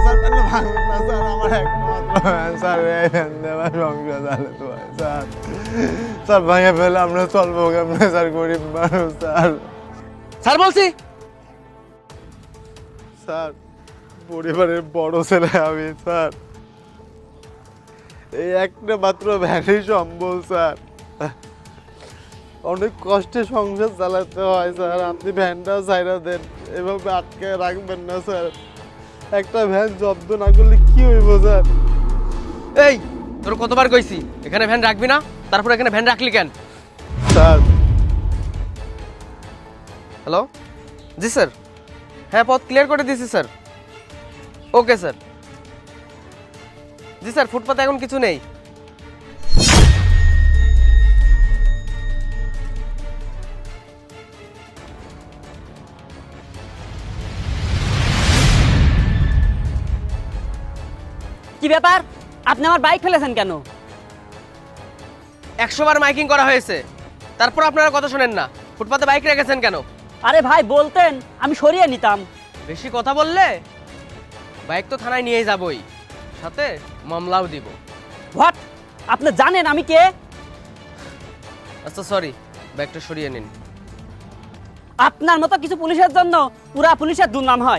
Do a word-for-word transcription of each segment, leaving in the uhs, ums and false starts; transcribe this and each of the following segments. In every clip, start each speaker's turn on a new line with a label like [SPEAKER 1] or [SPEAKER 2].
[SPEAKER 1] Sir van ভাঙবেন না sir, আমার একমাত্র ভ্যান স্যার, এই ভ্যান দিয়ে আমার সংসার চালাতে হয় স্যার। স্যার ভাঙে ফেলে আমরা চলবো কেমনে স্যার, গরিব মানুষ স্যার।
[SPEAKER 2] স্যার বলছি
[SPEAKER 1] স্যার পরিবারের বড় ছেলে আমি স্যার, এই একটা মাত্র ভ্যানই সম্বল স্যার, অনেক কষ্টে সংসার চালাতে হয় স্যার। আপনি ভ্যানটা ছাইরা দেন, এভাবে আটকে রাখবেন না স্যার। একটা ভ্যান জব্দ না করলে কি হইব স্যার?
[SPEAKER 2] এই তোর কতবার কইছি এখানে ভ্যান রাখবি না, তারপর এখানে ভ্যান রাখলি কেন?
[SPEAKER 1] স্যার
[SPEAKER 2] হ্যালো, জি স্যার, হ্যাঁ পথ ক্লিয়ার করে দিয়েছি স্যার। Okay sir. জি স্যার, ফুটপাতে এখন কিছু নেই।
[SPEAKER 3] কি ব্যাপার, আপনি আমার বাইক ফেলেছেন কেন?
[SPEAKER 2] একশো বার মাইকিং করা হয়েছে, তারপর আপনারা কথা শোনেন না। ফুটপাতে বাইক রেখেছেন কেন?
[SPEAKER 3] আরে ভাই বলতেন আমি সরিয়ে নিতাম।
[SPEAKER 2] বেশি কথা বললে বাইক তো থানায় নিয়ে যাবই, সাথে মামলাও দিব।
[SPEAKER 3] হোয়াট? আপনি জানেন আমি কে?
[SPEAKER 2] আচ্ছা সরি, বাইকটা সরিয়ে নিন।
[SPEAKER 3] আপনার মতো কিছু পুলিশের জন্য পুরা পুলিশের দুর্নাম হয়।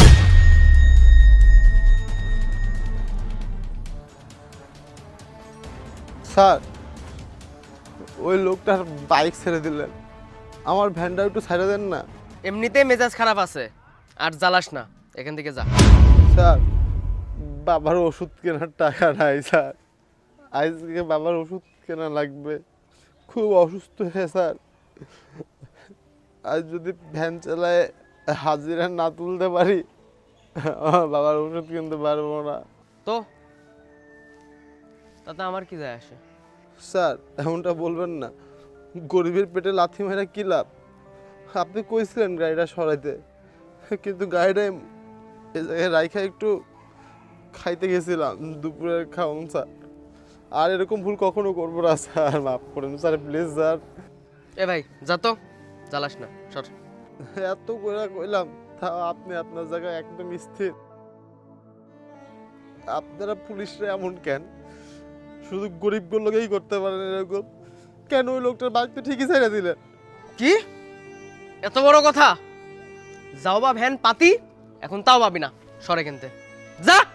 [SPEAKER 1] স্যার ওই লোকটার বাইক ছেড়ে দিলেন, আমার ভ্যানটা একটু ছেড়ে দেন না।
[SPEAKER 2] এমনিতেই মেজাজ খারাপ আছে, আর জ্বালাস না, এখান থেকে যা।
[SPEAKER 1] স্যার বাবার ওষুধ কেনার টাকা নাই স্যার, আজকে বাবার ওষুধ কেনা লাগবে, খুব অসুস্থ হয়ে স্যার। আজ যদি ভ্যান চালায় হাজিরা না তুলতে পারি, আমার বাবার ওষুধ কিনতে পারবো না।
[SPEAKER 2] তো তাতে আমার কি যায় আসে?
[SPEAKER 1] স্যার এমনটা বলবেন না, গরিবের পেটে লাথি মেরা কি লাভ? আপনি কইছিলেন গাড়িটা সরাইতে, কিন্তু গাড়িটা এ জায়গায় রাইখা একটু খাইতে গেছিলাম দুপুরের খাওন স্যার। আর এরকম ভুল কখনো করবো না স্যার, মাফ করেন স্যার প্লিজ স্যার।
[SPEAKER 2] এ ভাই যা তো, জ্বালাস না, সর।
[SPEAKER 1] এত করে কইলাম তাও আপনি আপনার জায়গায় একদম স্থির। আপনারা পুলিশরা এমন কেন? শুধু গরিব লোকেই করতে পারেন এরকম, কেন ওই লোকটার বাইক তো ঠিকই ছেড়ে দিলেন?
[SPEAKER 2] কি এত বড় কথা? যাও বা ভ্যান পাতি, এখন তাও পাবি না, সরে কিনতে যা।